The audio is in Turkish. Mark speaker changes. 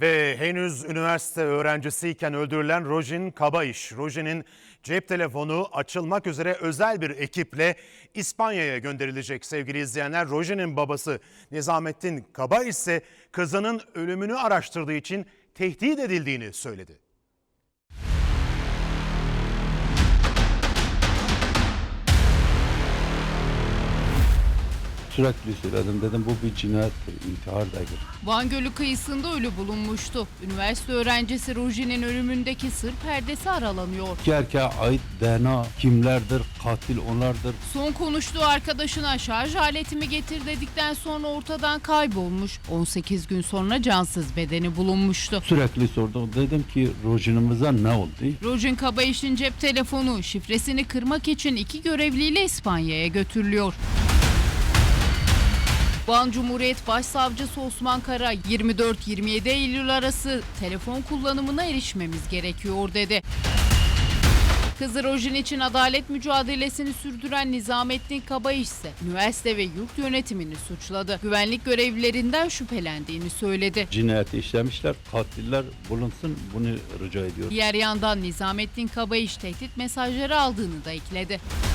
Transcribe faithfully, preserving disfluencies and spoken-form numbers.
Speaker 1: Ve henüz üniversite öğrencisiyken öldürülen Rojin Kabaiş. Rojin'in cep telefonu açılmak üzere özel bir ekiple İspanya'ya gönderilecek sevgili izleyenler. Rojin'in babası Nizamettin Kabaiş ise kızının ölümünü araştırdığı için tehdit edildiğini söyledi.
Speaker 2: Sürekli söyledim, dedim bu bir cinayettir, intihar değil.
Speaker 3: Van Gölü kıyısında ölü bulunmuştu. Üniversite öğrencisi Rojin'in ölümündeki sır perdesi aralanıyor.
Speaker 2: İki erkeğe ait D N A kimlerdir, katil onlardır.
Speaker 3: Son konuştuğu arkadaşına şarj aletimi getir dedikten sonra ortadan kaybolmuş. on sekiz gün sonra cansız bedeni bulunmuştu.
Speaker 2: Sürekli sordum, dedim ki Rojin'imize ne oldu?
Speaker 3: Rojin Kabaiş'in cep telefonu şifresini kırmak için iki görevliyle İspanya'ya götürülüyor. Van Cumhuriyet Başsavcısı Osman Kara yirmi dört yirmi yedi Eylül arası telefon kullanımına erişmemiz gerekiyor dedi. Kızı Rojin için adalet mücadelesini sürdüren Nizamettin Kabaiş ise üniversite ve yurt yönetimini suçladı. Güvenlik görevlilerinden şüphelendiğini söyledi.
Speaker 2: Cinayeti işlemişler, katiller bulunsun, bunu rica ediyorum.
Speaker 3: Diğer yandan Nizamettin Kabaiş tehdit mesajları aldığını da ekledi.